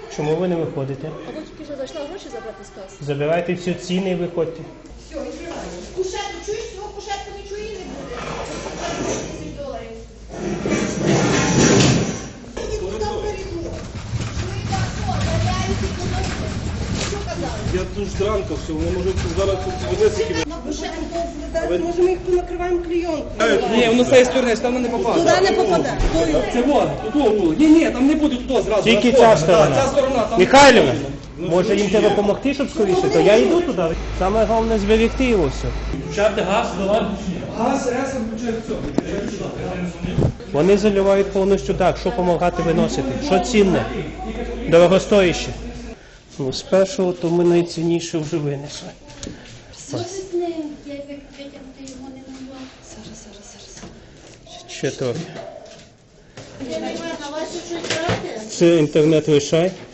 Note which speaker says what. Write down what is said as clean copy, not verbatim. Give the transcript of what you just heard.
Speaker 1: Чому ви не виходите?
Speaker 2: А ви тільки що зайшла гроші забрати з каси?
Speaker 1: Забирайте всі ціни і виходьте.
Speaker 3: Все, відкривай. Кушетку, чуєш, свого кушетку нічого і не буде. $10. Мені туди в коридор. Що і так, о, заявляюся і подобне. Що казали?
Speaker 4: Я тут зранку все, вони можуть зараз тут винести.
Speaker 3: На кушетку може ми їх понакриваємо клейонкою.
Speaker 5: Ні, воно з цієї сторони, там не попаде.
Speaker 3: Туди не попаде.
Speaker 5: Це вот, тут. Ні, там не буде туди зразу.
Speaker 1: Тільки
Speaker 5: розходу.
Speaker 1: ця сторона.
Speaker 5: Так, ця сторона. Там
Speaker 1: Михайлівна, може їм треба допомогти, щоб скоріше, то я йду туди. Саме головне зберегти його все. Включати газ, давати.
Speaker 5: Газ, РС, включає все.
Speaker 1: Вони заливають повністю так, що допомагати виносити, що цінне, дорогостояще. Ну, з першого то ми найцінніше вже винесли.
Speaker 6: Що з ним? Я витягнути його не могла. Зараз.
Speaker 1: Ще трохи.
Speaker 6: Я не знаю, на вас щось брати?
Speaker 1: Це інтернет лишай.